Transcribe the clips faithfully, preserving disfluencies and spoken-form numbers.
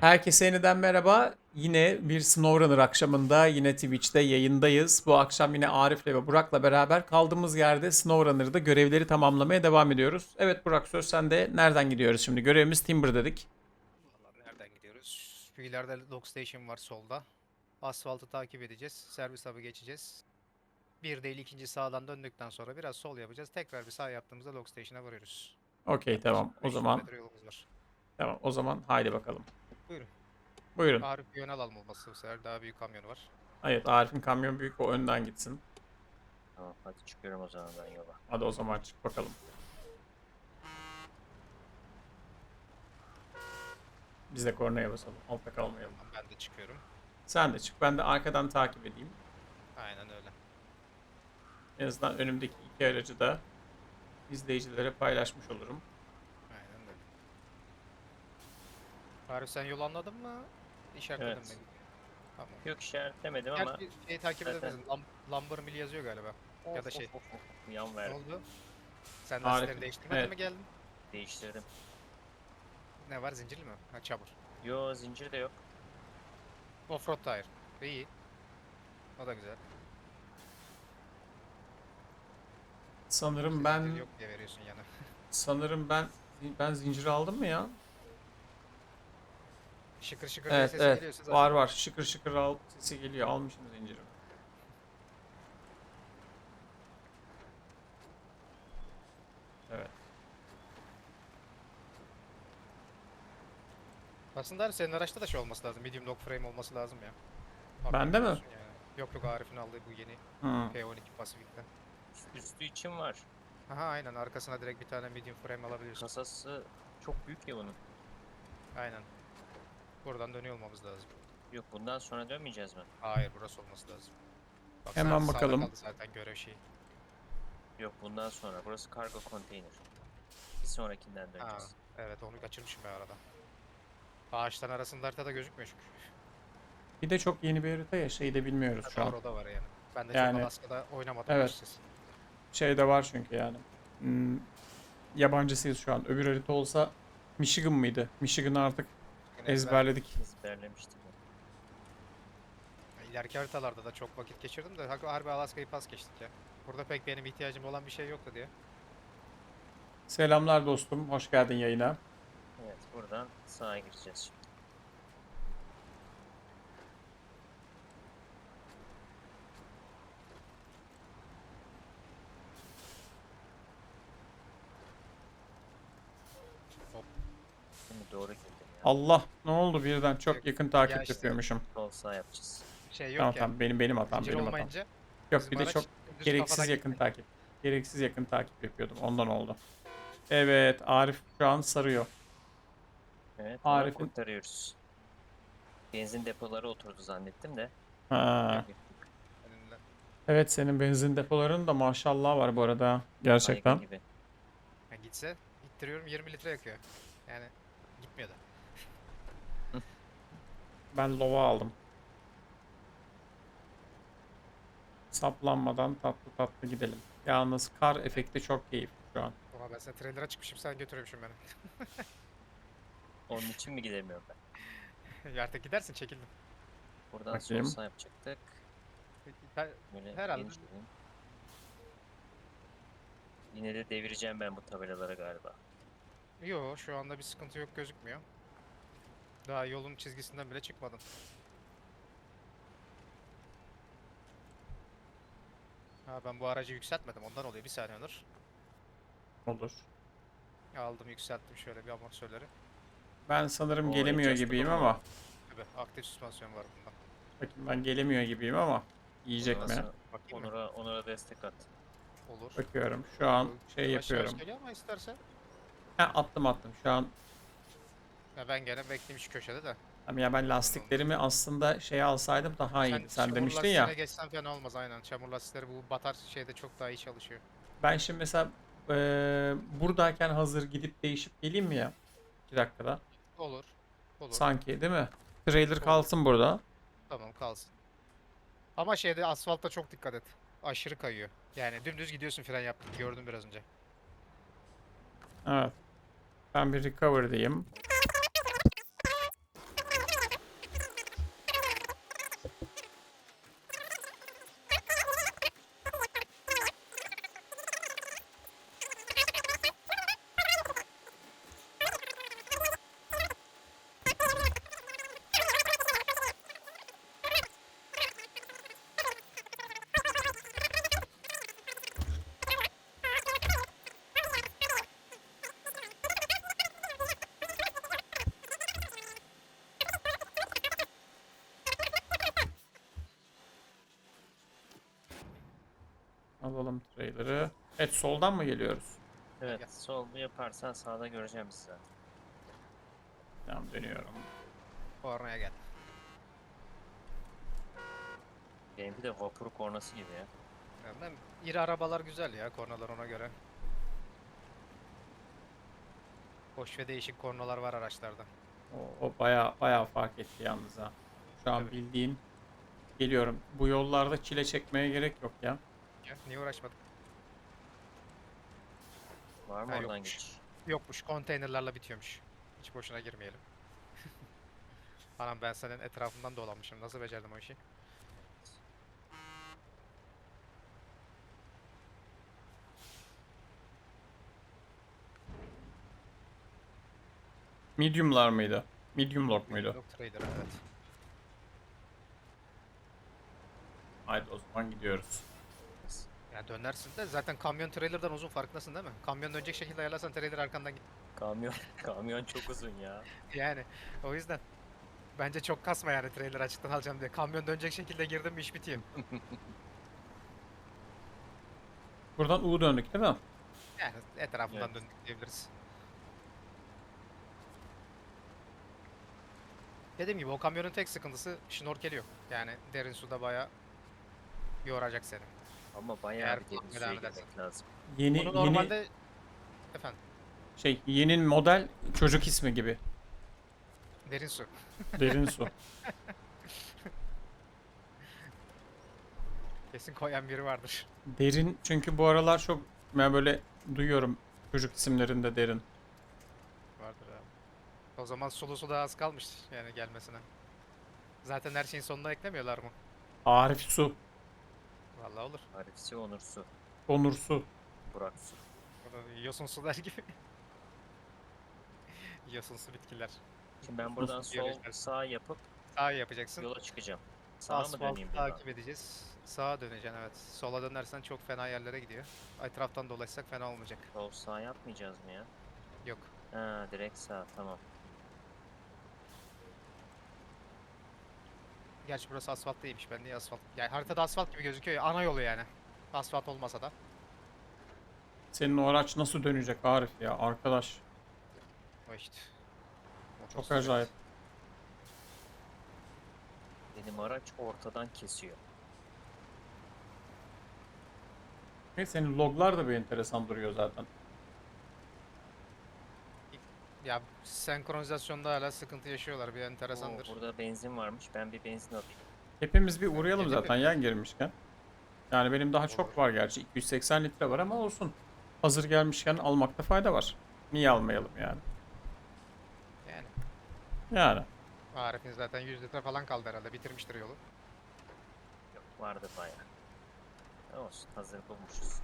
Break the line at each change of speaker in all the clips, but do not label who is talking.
Herkese yeniden merhaba. Yine bir SnowRunner akşamında yine Twitch'te yayındayız. Bu akşam yine Arif'le ve Burak'la beraber kaldığımız yerde SnowRunner'da görevleri tamamlamaya devam ediyoruz. Evet Burak, söz sende. Nereden gidiyoruz şimdi? Görevimiz Timber dedik.
Vallahi nereden gidiyoruz? Şu ileride Dock Station var solda. Asfaltı takip edeceğiz. Servis hub'ı geçeceğiz. Bir değil ikinci sağdan döndükten sonra biraz sol yapacağız. Tekrar bir sağ yaptığımızda Dock Station'a varıyoruz.
Okey,
Yaklaşık
tamam. O
beş yüz
zaman
metre yolumuz var.
tamam. O zaman haydi bakalım.
Buyurun.
Buyurun.
Arif bir yön alalım olması bu sefer. Daha büyük kamyonu var.
Evet, Arif'in kamyon büyük, o önden gitsin.
Tamam, hadi çıkıyorum o zaman ben yola.
Hadi o zaman çık bakalım. Biz de kornaya basalım. Altta kalmayalım.
Tamam, ben de çıkıyorum.
Sen de çık. Ben de arkadan takip edeyim.
Aynen öyle.
En azından önümdeki iki aracı da izleyicilere paylaşmış olurum.
Aynen öyle. Arif sen yol anladın mı? İşaretledin
Evet.
mi? Tamam.
Yok, işaretlemedim ama
Gerçi şeyi takip
zaten-
edemezsin. Lam Lumber Mill yazıyor galiba. Ya da şey.
Of, of, of. Yan
Ne
verdim.
oldu? Sen
Arif,
lastikleri değiştirmeden
evet.
mi geldin?
Değiştirdim.
Ne var, zincirli mi? Ha, çamur.
Yo, zincir de yok.
Offroad tire. İyi. O da güzel.
Sanırım
İşte
ben
zincir yok diye veriyorsun yana.
sanırım ben ben zinciri aldım mı ya?
Şıkır şıkır diye
Evet,
sesi
evet.
geliyorsa zaten.
Var var. Şıkır şıkır al sesi geliyor. Almışım zinciri. Evet.
Aslında hani senin araçta da şey olması lazım. Medium dog frame olması lazım ya.
Bende mi?
Haberin olsun yani. Yok yok, Arif'in aldığı bu yeni
Hı.
P on iki Pacific'te.
Üstü için var.
Aha aynen, arkasına direkt bir tane medium frame alabiliyorsun.
Kasası çok büyük ya bunun.
Aynen. Buradan dönüyor olmamız lazım.
Yok, bundan sonra dönmeyeceğiz mi?
Hayır, burası olması lazım. Bak,
Hemen
sağda
bakalım.
kaldı zaten görev şeyi.
Yok, bundan sonra. Burası kargo konteyner. Bir sonrakinden
Ha,
döneceğiz.
evet, onu kaçırmışım ben arada. Ağaçların arasında haritada gözükmüyor çünkü.
Bir de çok yeni bir harita ya, şeyi de bilmiyoruz şu
Doğru,
an.
o da var yani. Ben de
Yani-
çok Alaska'da oynamadım.
Evet.
açıkçası.
Şey de var çünkü yani. Hmm, yabancısıyız şu an. Öbür harita olsa Michigan mıydı? Michigan'ı artık
Yine ezber-
ezberledik.
Ezberlemiştim.
İleriki haritalarda da çok vakit geçirdim de hak- harbi Alaska'yı pas geçtik ya. Burada pek benim ihtiyacım olan bir şey yoktu diye.
Selamlar dostum. Hoş geldin yayına.
Evet, buradan sağa gireceğiz şimdi.
Hop.
Şimdi doğru girdim ya.
Allah, ne oldu birden? Çok
Yok,
yakın takip
ya işte.
yapıyormuşum.
Sol sağ yapacağız.
Şey yok
Tamam
ya.
tamam, benim benim hatam,
Zincir
benim hatam.
olmayınca
Yok,
bizim
bir de
araç
çok
dümdüz
gereksiz
kafadan
yakın
gitmiyor.
takip. Gereksiz yakın takip yapıyordum. Ondan oldu. Evet, Arif şu an sarıyor.
Evet, ama
Arif'in-
kurtarıyoruz. Benzin depoları oturdu zannettim de.
Ha.
Yok, yok.
Önünde.
Evet, senin benzin depoların da maşallah var bu arada. Gerçekten.
Saygı gibi.
Ya gitse ittiriyorum, yirmi litre yakıyor. Yani gitmiyor da.
Ben lova aldım. Saplanmadan tatlı tatlı gidelim. Yalnız kar efekti çok keyifli şu an.
Oha, ben sana trailer'a çıkmışım, sen götürüyormuşum beni.
Onun için mi gidemiyorum ben?
Ya artık gidersin, çekildim.
Buradan
Bakayım.
sol sağ yapacaktık.
Ben-
Böyle
Herhalde.
geniş alayım. Yine de devireceğim ben bu tabelaları galiba.
Yo, şu anda bir sıkıntı yok, gözükmüyor. Daha yolun çizgisinden bile çıkmadın. Ha, ben bu aracı yükseltmedim, ondan oluyor. Bir saniye Onur.
Olur.
Aldım, yükselttim şöyle bir amortisörleri.
Ben sanırım
Oo,
gelemiyor
adjustable
gibiyim
var.
ama.
Tabii aktif süspansiyon var bunda.
Bakayım, ben gelemiyor gibiyim ama. Yiyecek mi?
Nasıl?
Bakayım mı?
Onur'a, Onur'a destek at.
Olur.
Bakıyorum. Şu an şey
Yavaş yavaş
yapıyorum.
geliyor ama istersen.
Ha, attım attım. Şu an
Ya ben gene bekleyeyim şu köşede de.
ama ya ben lastiklerimi aslında şeye alsaydım daha iyiydi. Sen
çamur
demiştin
lastiğine
ya.
geçsen fena olmaz aynen. Çamur lastikleri bu batar şeyde çok daha iyi çalışıyor.
Ben şimdi mesela eee, buradayken hazır gidip değişip geleyim mi ya? iki dakikada.
Olur. Olur.
Sanki değil mi? Trailer
Olur.
kalsın burada.
Tamam, kalsın. Ama şeyde asfaltta çok dikkat et. Aşırı kayıyor. Yani dümdüz gidiyorsun, fren yaptım. Gördüm biraz önce.
Evet. Ben bir recover diyeyim. Kapatalım trailer'ı. Evet, soldan mı geliyoruz?
Evet,
Gel.
sol yaparsan sağda göreceğim sizi zaten.
Tamam, dönüyorum.
Kornaya gel.
Benimki de vapur kornası gibi ya.
Yani ben, iri arabalar güzel ya, kornalar ona göre. Hoş ve değişik kornalar var araçlarda.
O, o bayağı bayağı fark etti yalnız ha. Şu an
Tabii.
bildiğin geliyorum. Bu yollarda çile çekmeye gerek yok ya.
Ya, niye uğraşmadık?
Var mı
Ha,
oradan
yokmuş.
geçiş?
Yokmuş, konteynerlarla bitiyormuş. Hiç boşuna girmeyelim. Anam, ben senin etrafından dolanmışım. Nasıl becerdim o işi?
Medium'lar mıydı? Medium lock muydu?
Dog Trader, evet.
Haydi o zaman gidiyoruz.
Ya dönersin de zaten kamyon trailer'dan uzun, farkındasın değil mi? Kamyon dönecek şekilde ayarlarsan trailer arkandan git.
Kamyon, kamyon çok uzun ya.
Yani o yüzden. Bence çok kasma yani trailer açıktan alacağım diye. Kamyon dönecek şekilde girdim mi iş bitiyor.
Buradan U döndük değil mi?
Yani etrafından
Evet.
döndük diyebiliriz. Dediğim gibi o kamyonun tek sıkıntısı şnorkeli yok. Yani derin suda bayağı yoracak seni.
Ama bayağı
Eğer
bir derin
kullanmaya
suya
devam edersen.
girmek lazım.
Yeni
Bunu
yeni
normalde efendim
şey yeni model çocuk ismi gibi.
derin su.
Derin su.
Kesin koyan biri vardır.
Derin çünkü bu aralar çok ben böyle duyuyorum çocuk isimlerinde derin.
Vardır abi. O zaman sulu su da az kalmış yani gelmesine. Zaten her şeyin sonuna eklemiyorlar mı?
Arif Su,
Vallahi olur.
Arifsi, Onur su,
Onur Su.
Burak su.
Bunu yosun su der gibi. Yosunsu bitkiler.
Şimdi ben buradan
Yosun
sol
biyolojiden.
sağ yapıp
Sağa yapacaksın.
yola çıkacağım. Sağa mı
Asfalt
döneyim buradan?
takip edeceğiz. Sağa döneceksin, evet. Sola dönersen çok fena yerlere gidiyor. Etraftan dolaşsak fena olmayacak.
Sol sağ yapmayacağız mı ya?
Yok.
Ha, direkt sağ, tamam.
Gerçi burası asfalt değilmiş. Ben niye asfalt? Yani haritada asfalt gibi gözüküyor ya. Ana yolu yani. Asfalt olmasa da.
Senin o araç nasıl dönecek Arif ya arkadaş?
O işte.
Çok
Motosiklet.
acayip.
Benim araç ortadan kesiyor.
Ve senin loglar da bir enteresan duruyor zaten.
Ya senkronizasyonda hala sıkıntı yaşıyorlar. Bir enteresandır.
Oo, burada benzin varmış. Ben bir benzin alayım.
Hepimiz bir uğrayalım
Gidelim.
zaten yan girmişken. Yani benim daha çok
Olur.
var gerçi. iki yüz seksen litre var ama olsun. Hazır gelmişken almakta fayda var. Niye almayalım yani?
Yani.
Yani.
Arif'in zaten yüz litre falan kaldı herhalde. Bitirmiştir yolu.
Yok, vardı bayağı. Olsun, hazır bulmuşuz.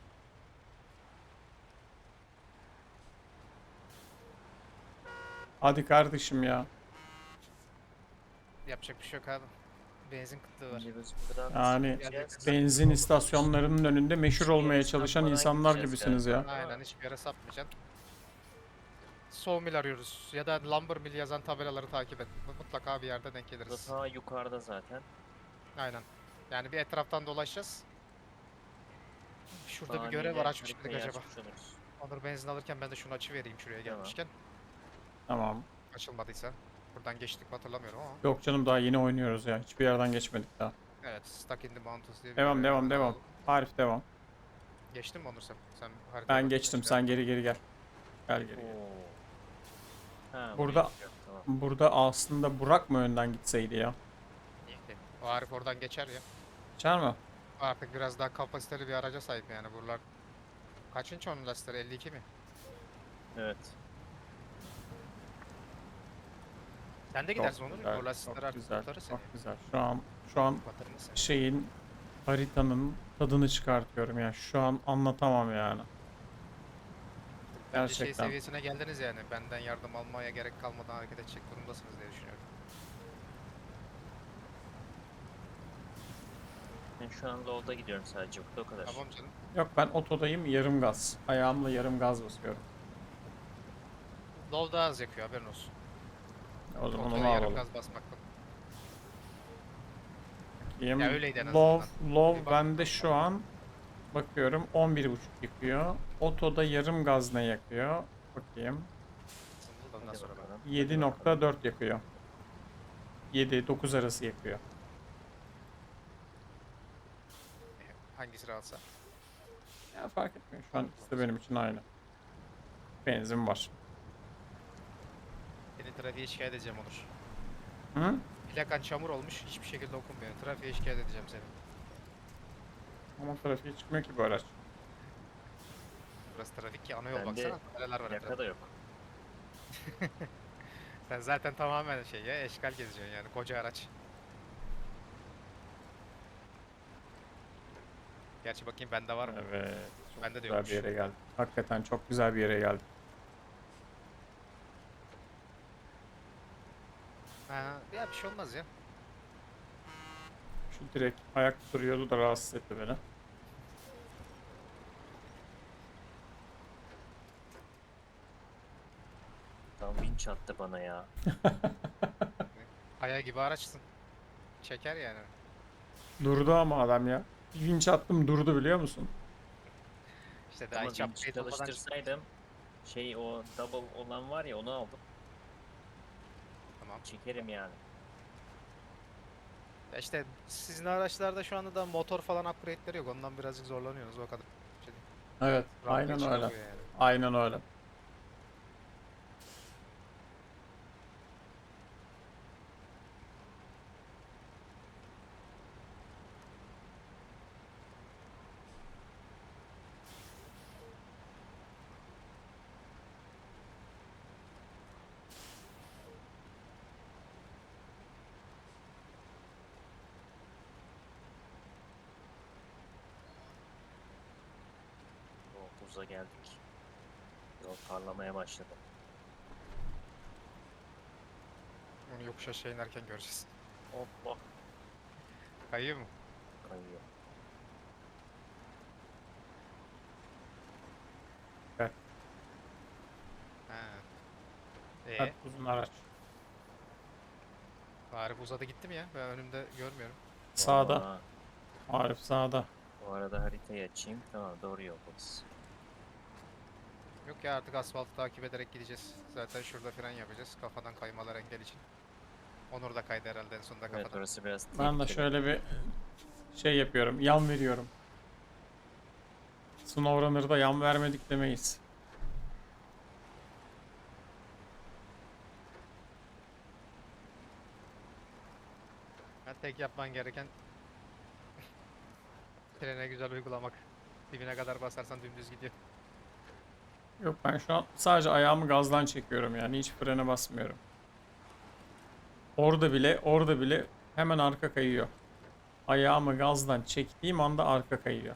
Hadi kardeşim ya.
Yapacak bir şey yok abi. Benzin kıtlığı var.
Şimdi biz buradan
Yani
gideceğiz.
benzin istasyonlarının önünde meşhur
Hiçbir
olmaya
yere
çalışan
sapmadan
insanlar
gideceğiz
gibisiniz ya.
galiba.
Aynen, hiçbir yere sapmayacaksın. Sawmill arıyoruz ya da lumber mill yazan tabelaları takip et. Mutlaka bir yerde denk
Burada
geliriz.
ta yukarıda zaten.
Aynen. Yani bir etraftan dolaşacağız. Şurada bir
Saniyeyle
görev var, açmış
haritayı
mıydık acaba?
açmış oluruz.
Onur benzin alırken ben de şunu açıvereyim şuraya
Tamam.
gelmişken.
Tamam.
Açılmadıysa. Buradan geçtik mi hatırlamıyorum ama.
Yok canım daha yeni oynuyoruz ya. Hiçbir yerden geçmedik daha.
Evet, Stuck in the Mountains diye bir
Devam
görev
devam
var.
devam. Arif devam.
Geçtin mi Onur sen? Sen haritaya
Ben
bakıyorsun
geçtim.
şimdi.
Sen geri geri gel. Gel geri gel.
Oo. Ha,
Burada-
buraya gidiyor, tamam.
Burada aslında Burak mı önden gitseydi ya?
İyi. O Arif oradan geçer ya.
Geçer mi?
Artık biraz daha kapasiteli bir araca sahip yani buralar. Kaçıncı onun lastikleri? elli iki mi?
Evet.
Sen de
Çok
gidersin Onur.
güzel,
O lastikler
çok
artık
güzel,
kurtarır seni.
çok güzel. Şu an şu an
Batırır seni.
şeyin haritanın tadını çıkartıyorum ya. Şu an anlatamam yani.
Bence şey
Gerçekten.
seviyesine geldiniz yani. Benden yardım almaya gerek kalmadan hareket edecek durumdasınız diye düşünüyorum.
Ben şu an low'da gidiyorum sadece. Burada o kadar.
Tamam canım.
Yok ben otodayım yarım gaz. Ayağımla yarım gaz basıyorum.
Low daha az yakıyor, haberin olsun.
O zaman
Otoya
onu
yarım
alalım.
gaz basmaktan.
Bakayım.
Ya öyleydi en
Low,
azından. Bir
low
bak
bende
bakalım.
şu an Bakıyorum on bir buçuk yakıyor. Otoda yarım gaz ne yakıyor? Bakayım.
Ondan
Hadi
sonra ben.
bakalım. hadi
yedi
bakalım.
nokta dört yakıyor. yedi dokuz arası yakıyor.
Hangisi rahatsa.
Ya fark etmiyor. Şu an ikisi de benim için aynı. Benzin var.
Seni trafiğe şikayet edeceğim Onur.
Hı?
Plakan çamur olmuş, hiçbir şekilde okunmuyor. Trafiğe şikayet edeceğim seni.
Ama trafiğe çıkmıyor ki bu araç.
Burası trafik ki ana yol
Bende
baksana. Tabelalar var
Plaka
etrafta.
da yok.
Sen zaten tamamen şey ya, eşkal geziyorsun yani koca araç. Gerçi bakayım bende var mı?
Evet. Çok
Bende de
güzel
yokmuş.
bir yere geldik. Hakikaten çok güzel bir yere geldik.
Ha, ya bir şey olmaz ya.
Şu direkt ayak duruyordu da rahatsız etti beni.
Tam vinç attı bana ya.
Aya gibi araçsın. Çeker yani.
Durdu ama adam ya. Bir vinç attım durdu biliyor musun?
İşte daha
Ama
hiç
vinç
upgrade olmadan çık-
çalıştırsaydım şey o double olan var ya onu aldım.
Tamam.
Çekerim yani.
Ya işte sizin araçlarda şu anda da motor falan upgrade'leri yok. Ondan birazcık zorlanıyorsunuz o kadar. Şey değil.
Evet.
Rampaya
Aynen öyle.
çıkamıyor yani.
Aynen öyle.
O buza geldik. Yol parlamaya başladı.
Onu yokuş aşağı inerken göreceğiz.
Hoppa.
Kayıyor mu?
Kayıyor.
Evet.
Ha. Ee,
Hadi uzun araç.
Arif uzadı gitti mi ya? Ben önümde görmüyorum.
Sağda.
Aa,
Arif sağda.
bu arada haritayı açayım. Tamam doğru yoldayız.
Yok ya artık asfaltı takip ederek gideceğiz. Zaten şurada fren yapacağız. Kafadan kaymalar engel için. Onur da kaydı herhalde en sonunda
Evet
kafadan.
orası biraz
Ben de
tehlikeli.
şöyle bir şey yapıyorum. Yan veriyorum. SnowRunner'da yan vermedik demeyiz.
Ha, tek yapman gereken frene güzel uygulamak. Dibine kadar basarsan dümdüz gidiyor.
Yok ben şu an sadece ayağımı gazdan çekiyorum yani hiç frene basmıyorum. Orada bile orada bile hemen arka kayıyor. Ayağımı gazdan çektiğim anda arka kayıyor.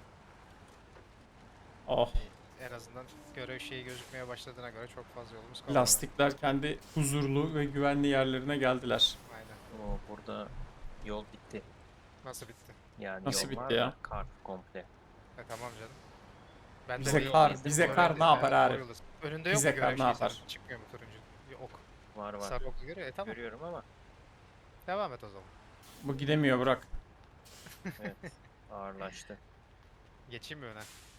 Oh,
En azından görev şeyi gözükmeye başladığına göre çok fazla yolumuz kalmadı.
lastikler kendi huzurlu ve güvenli yerlerine geldiler.
Aynen.
Oo, burada yol bitti.
Nasıl bitti?
Yani
Nasıl
yol
bitti
var
ya?
da kar komple.
E tamam canım. Ben
Bize
bir-
kar,
bir-
bize
bir-
kar
bir-
ne yapar
bir-
Arif?
doğru yoldasın. Önünde yok
Bize
mu
kar
görev
ne
şeyi
yapar?
senin? Çıkmıyor mu turuncu? Bir ok.
Var var.
Sarı oku görüyor. E tamam.
Görüyorum ama
Devam et o zaman.
Bu gidemiyor Burak.
evet ağırlaştı.
Geçeyim mi öne?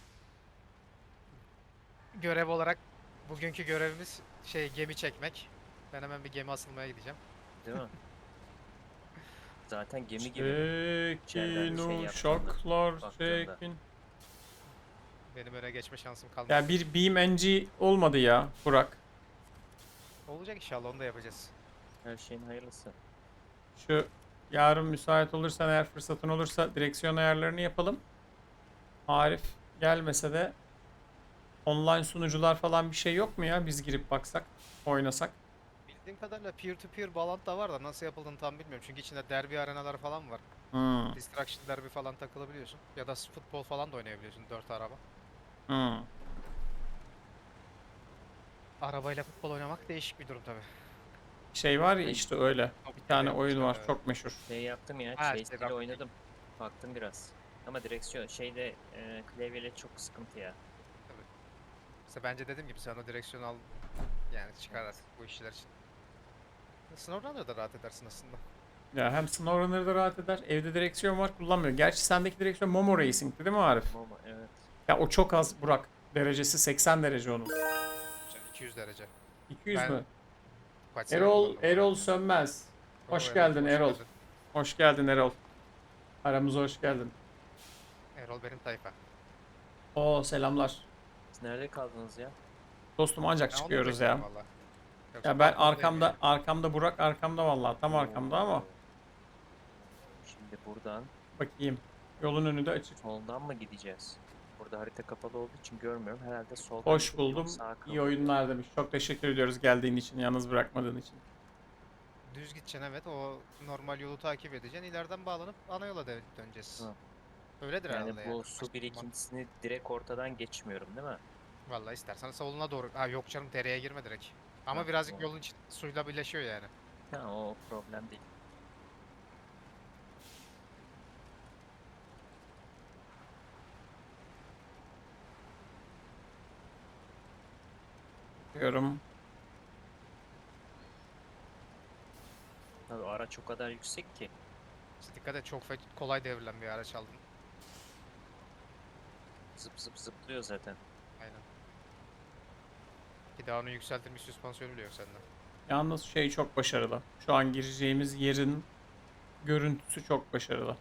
Görev olarak bugünkü görevimiz şey gemi çekmek. Ben hemen bir gemi asılmaya gideceğim.
Değil mi? Zaten gemi gibi.
Çekin
şey
uşaklar
baktığında.
çekin.
Benim öne geçme şansım kalmadı.
Ya bir BeamNG olmadı ya Burak.
Olacak inşallah onu da yapacağız.
Her şeyin hayırlısı.
Şu yarın müsait olursan eğer fırsatın olursa direksiyon ayarlarını yapalım. Arif gelmese de online sunucular falan bir şey yok mu ya? Biz girip baksak, oynasak.
Bildiğim kadarıyla peer to peer bağlantı da var da nasıl yapıldığını tam bilmiyorum. Çünkü içinde derbi arenalar falan var.
Hmm,
Distraction derbi falan takılabiliyorsun. Ya da futbol falan da oynayabiliyorsun dört araba.
hmm.
Arabayla futbol oynamak değişik bir durum tabi.
Şey var ya işte öyle. Bir tane oyun var
Evet.
çok meşhur.
Şey yaptım ya.
Ha,
şey
işte
ile
bak-
oynadım. Baktım biraz. Ama direksiyon şeyde e, klavyeyle çok sıkıntı ya.
İşte bence dediğim gibi sen o direksiyonu al yani çıkar artık bu işler için. Snowrunner'da da rahat edersin aslında.
Ya hem SnowRunner'da da rahat eder. Evde direksiyon var, kullanmıyor. Gerçi sendeki direksiyon Momo Racing'ti değil mi Arif?
Ama evet.
Ya o çok az Burak. Derecesi seksen derece onun.
Sen iki yüz derece.
iki yüz
Ben
mü?
kaç sene
Erol
kullandım
Erol
onu.
Sönmez.
Oo,
Hoş
Erol,
geldin
hoş
Erol.
geldin.
Hoş geldin Erol. Aramıza hoş geldin.
Erol benim tayfa.
Oo selamlar.
Siz nerede kaldınız ya?
Dostum ancak
Ben onu
çıkıyoruz ya.
bekliyorum valla. Yoksa
Ya ben
balkondayım
arkamda
yani.
arkamda Burak arkamda vallahi tam arkamda ama
Oo. Şimdi buradan
bakayım. Yolun önü de açık.
soldan mı gideceğiz? Burada harita kapalı olduğu için görmüyorum. Herhalde soldan
Hoş
gidip yol
buldum.
sağa
İyi
kalıyor.
oyunlar demiş. Çok teşekkür ediyoruz geldiğin için, yalnız bırakmadığın için.
Düz gideceksin, evet, o normal yolu takip edeceksin. İleriden bağlanıp ana yola dön- döneceğiz.
Hı.
Öyledir
Yani
herhalde
bu
yani.
su
Başka bir mantık-
birikintisini direkt ortadan geçmiyorum değil mi?
Vallahi istersen soluna doğru. Ha yok canım, dereye girme direkt. Ama
Ha,
birazcık
o-
yolun içi suyla birleşiyor yani.
Ha, o problem değil.
Diyorum.
Tabii o araç o kadar yüksek ki.
İşte dikkat et, çok fe- kolay devrilen bir araç aldın.
Zıp zıp zıplıyor zaten.
Aynen. Bir daha onun yükseltilmiş süspansiyonu bile yok sende.
Yalnız şey çok başarılı. Şu an gireceğimiz yerin görüntüsü çok başarılı.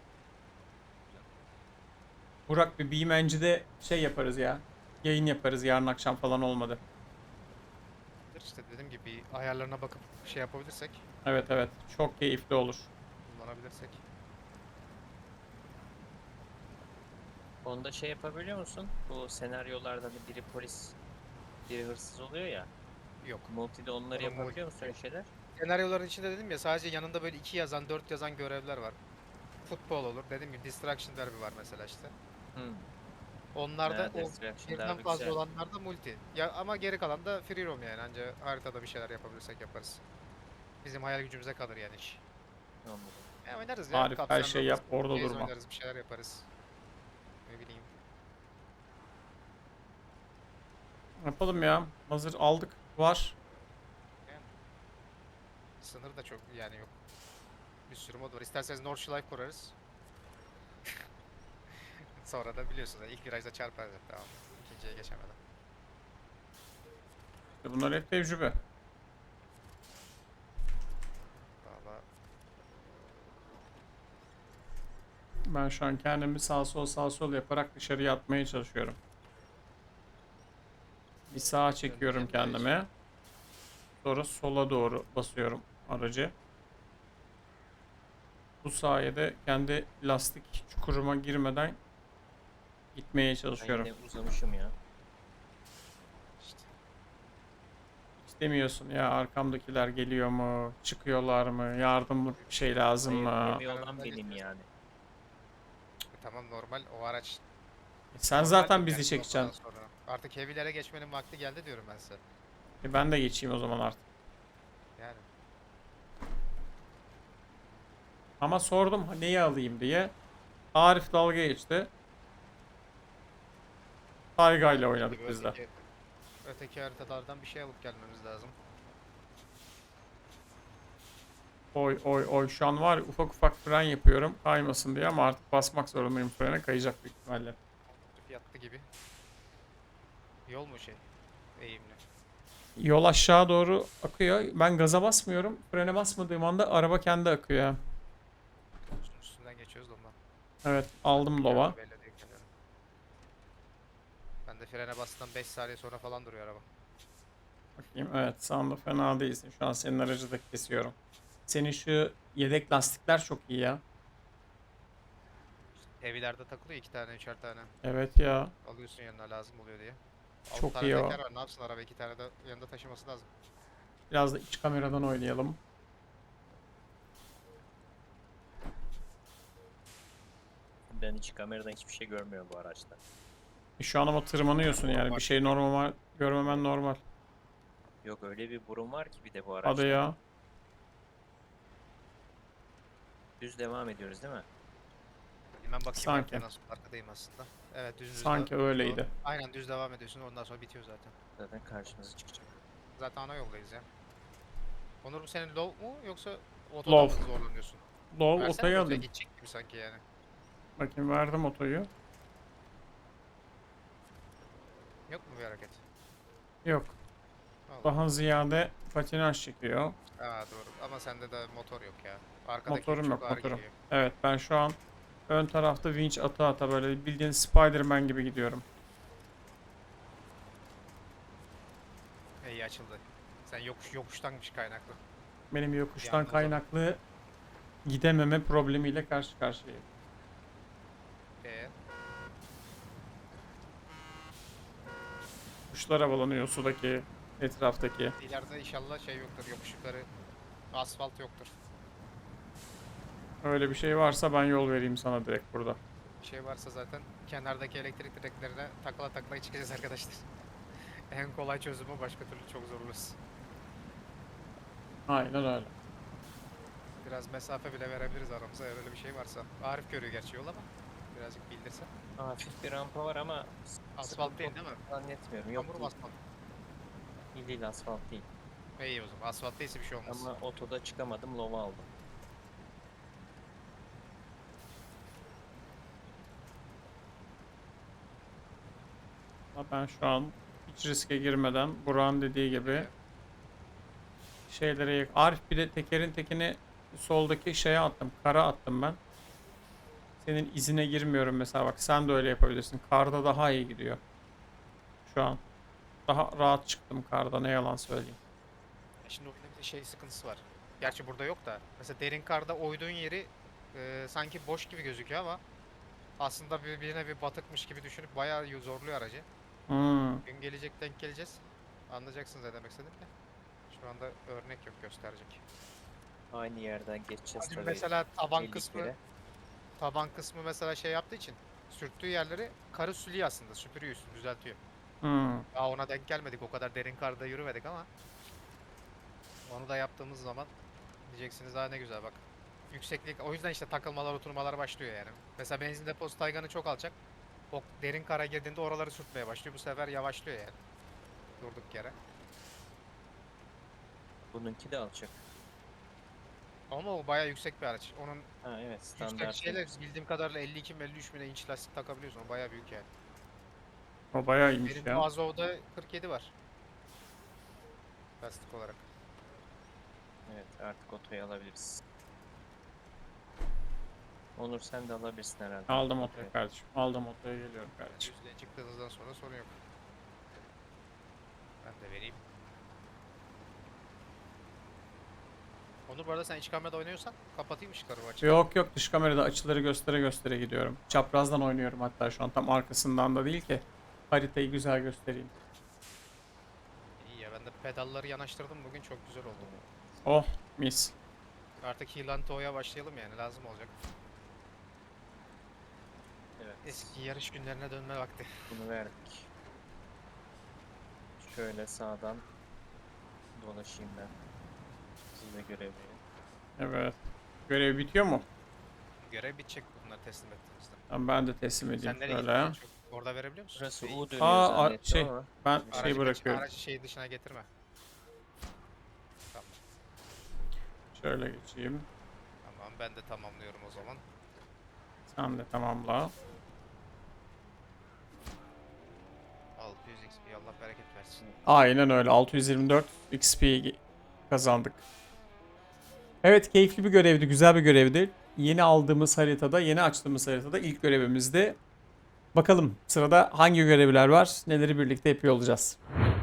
Burak, bir Beamen'cide şey yaparız ya. Yayın yaparız yarın akşam falan olmadı.
İşte dediğim gibi bir ayarlarına bakıp şey yapabilirsek,
Evet evet, çok keyifli olur.
kullanabilirsek.
Onda şey yapabiliyor musun? Bu senaryolarda hani biri polis, biri hırsız oluyor ya.
Yok.
Multi'de onları
Onun
yapabiliyor
multi
musun öyle
yok.
şeyler?
Senaryoların içinde dedim ya, sadece yanında böyle iki yazan, dört yazan görevler var. Futbol olur. Dediğim gibi Distraction Derby var mesela işte.
Hmm.
Onlarda
Ha,
o
Distraction
birden
Derby
fazla
güzel.
olanlarda multi. Ya ama geri kalan da free roam yani. Anca haritada bir şeyler yapabilirsek yaparız. Bizim hayal gücümüze kalır yani iş.
Anladım.
Ya oynarız ya.
Arif, her
Kapsan
şey
Robots,
yap, orada
Blaze
durma.
oynarız, bir şeyler yaparız. Ne bileyim.
Yapalım ya. Hazır aldık. Var.
Yani. Sınır da çok yani yok. Bir sürü mod var. İsterseniz North Life kurarız. Sonra da biliyorsunuz ilk virajda çarparız hep, tamam mı? İkinciye geçemeden.
Bunlar hep tecrübe.
Valla
Ben şu an kendimi sağ sol sağ sol yaparak dışarıya atmaya çalışıyorum. Bir sağa çekiyorum
Döneceğim
kendime. Sonra sola doğru basıyorum aracı. Bu sayede kendi lastik çukuruma girmeden gitmeye
Ben
çalışıyorum.
yine uzamışım ya.
işte.
İstemiyorsun ya, arkamdakiler geliyor mu? Çıkıyorlar mı? Yardımlık bir şey lazım
Hayır,
mı?
gemi olan
Önümden
benim
geçiyorsun.
yani.
E tamam, normal o araç.
E sen
Normal
zaten
yani
bizi
bu
çekeceksin.
noktadan sonra. Artık heavy'lere geçmenin vakti geldi diyorum ben size.
E ben de geçeyim o zaman artık.
Yani.
Ama sordum neyi alayım diye. Arif dalga geçti. Tayga ile oynadık
Gibi
biz de.
öteki, öteki haritalardan bir şey alıp gelmemiz lazım.
Oy oy oy, şu an var ya, ufak ufak fren yapıyorum kaymasın diye ama artık basmak zorundayım, frene kayacak büyük ihtimalle.
Yattı gibi. Yol mu şey? Eğimli.
Yol aşağı doğru akıyor. Ben gaza basmıyorum. Frene basmadığım anda araba kendi akıyor ya.
Üstün- Üstünden geçiyoruz da ondan.
Evet, aldım
Biliyorum,
lova.
belli değil kendileri. Ben de frene bastım, beş saniye sonra falan duruyor araba.
Bakayım, evet sağında fena değilsin. Şu an senin aracı da kesiyorum. Senin şu yedek lastikler çok iyi ya.
Heavy'lerde takılıyor iki tane, üçer tane.
Evet ya.
Alıyorsun yanına lazım oluyor diye. Altı
Çok
tane
iyi o.
teker var, ne yapsın araba, iki tane de yanında taşıması lazım.
Biraz da iç kameradan oynayalım.
Ben hiç kameradan hiçbir şey görmüyorum bu araçta.
E şu an ama tırmanıyorsun yani. Bir şey normal görmemen normal.
Yok, öyle bir burun var ki bir de bu araçta.
Hadi ya.
Düz devam ediyoruz değil mi?
Hemen bakayım
Sanki.
arkaya, nasıl arkadayım aslında. Evet, düz düz
Sanki
devam-
öyleydi.
Aynen düz devam ediyorsun, ondan sonra bitiyor zaten.
Zaten karşımıza çıkacak.
Zaten ana yoldayız ya. Onur, bu senin low mu yoksa
Low.
otoda mı zorlanıyorsun?
Low
Versene
otoyu
otoya,
alayım.
gidecek gibi sanki yani.
Bakayım verdim otoyu.
Yok mu bir hareket?
Yok.
Allah.
Daha ziyade patinaj çekiyor.
Aa doğru ama sende de motor yok ya. Arkadaki
Motorum
yük
yok
çok ağır
motorum.
geliyor.
Evet ben şu an ön tarafta vinç ata ata böyle bildiğin Spider-Man gibi gidiyorum.
İyi açıldı. Sen yokuş yokuştanmış kaynaklı.
Benim yokuştan
Yalnız o-
kaynaklı gidememe problemiyle karşı karşıyayım.
Ee,
Kuşlar havalanıyor sudaki, etraftaki.
ileride inşallah şey yoktur, yokuş yukarı asfalt yoktur.
Öyle bir şey varsa ben yol vereyim sana direkt burada.
Bir şey varsa zaten kenardaki elektrik direklerine takla takla çıkacağız arkadaşlar. En kolay çözümü başka türlü çok zorluyuz.
Aynen öyle.
Biraz mesafe bile verebiliriz aramıza eğer öyle bir şey varsa. Arif görüyor gerçi yol ama birazcık bildirse.
Hafif bir rampa var ama
Asfalt değil değil mi?
zannetmiyorum. Yok
Hamur
değil.
asfalt.
İyi değil, asfalt değil.
İyi o zaman asfalt değilse bir şey olmaz.
Ama otoda çıkamadım, lova aldım.
Ama ben şu an hiç riske girmeden Burak'ın dediği gibi şeylere yak- Arif bir de tekerin tekini soldaki şeye attım. Kara attım ben. Senin izine girmiyorum mesela bak sen de öyle yapabilirsin. Karda daha iyi gidiyor. Şu an. Daha rahat çıktım karda ne yalan söyleyeyim.
E Şimdi oyunda bir de şey sıkıntısı var. Gerçi burada yok da. Mesela derin karda oyduğun yeri e, sanki boş gibi gözüküyor ama aslında birbirine bir batıkmış gibi düşünüp bayağı y- zorluyor aracı.
Hmm.
Gün gelecek denk geleceğiz. Anlayacaksınız ne demek istedim de. Şu anda örnek yok gösterecek.
Aynı yerden geçeceğiz
Hadi
tabii.
mesela taban
elli
kısmı
kere.
taban kısmı mesela şey yaptığı için sürttüğü yerleri karı sülüyor aslında süpürüyor üstünü düzeltiyor.
Hmm.
Daha ona denk gelmedik o kadar derin karda yürümedik ama onu da yaptığımız zaman diyeceksiniz daha ne güzel bak. Yükseklik o yüzden işte takılmalar oturmalar başlıyor yani. Mesela benzin deposu tayganı çok alacak. O derin kara girdiğinde oraları sürtmeye başlıyor. Bu sefer yavaşlıyor yani. Durduk yere.
Bununki de alacak.
Ama o bayağı yüksek bir araç. Onun
Ha evet,
yüksek
standart.
şeyle
değil.
bildiğim kadarıyla elli iki elli üç bine inç lastik takabiliyorsun. O bayağı büyük yani.
O bayağı iyiymiş
Benim
ya.
bu Azov'da kırk yedi var. Lastik olarak.
Evet, artık otoyu alabiliriz. Onur sen de alabilirsin herhalde.
Aldım otoyu
Evet.
kardeşim. Aldım otoya geliyorum kardeşim.
Düzlüğe çıktığınızdan sonra sorun yok. Ben de vereyim. Onu bu arada sen iç kamerada oynuyorsan kapatayım ışıkları bu açık.
Yok yok dış kamerada açıları göstere göstere gidiyorum. Çaprazdan oynuyorum hatta şu an tam arkasından da değil ki. Haritayı güzel göstereyim.
İyi ya ben de pedalları yanaştırdım bugün çok güzel oldu.
Oh mis.
Artık Hilanto'ya başlayalım yani lazım olacak.
Evet.
Eski yarış günlerine dönme vakti.
Bunu verdik. Şöyle sağdan dolaşayım ben. Siz de görevleri.
Evet. Görev bitiyor mu?
Görev bitecek bunları teslim ettiğimizde.
Tamam, ben de teslim edeyim
Sen nereye
şöyle.
gittin? Çok- Orada verebiliyor musun?
Burası
Şey,
U dönüyor
Aa, a-
zannettim
şey,
ama.
Ben
aracı
şey
kaç-
bırakıyorum.
Aracı şey dışına getirme. Tamam.
Şöyle geçeyim.
Tamam ben de tamamlıyorum o zaman.
Sen de tamamla.
altı yüz X P Allah bereket versin.
Aynen öyle. altı yüz yirmi dört X P kazandık. Evet, keyifli bir görevdi. Güzel bir görevdi. Yeni aldığımız haritada, yeni açtığımız haritada ilk görevimizdi. Bakalım sırada hangi görevler var? Neleri birlikte yapıyor olacağız.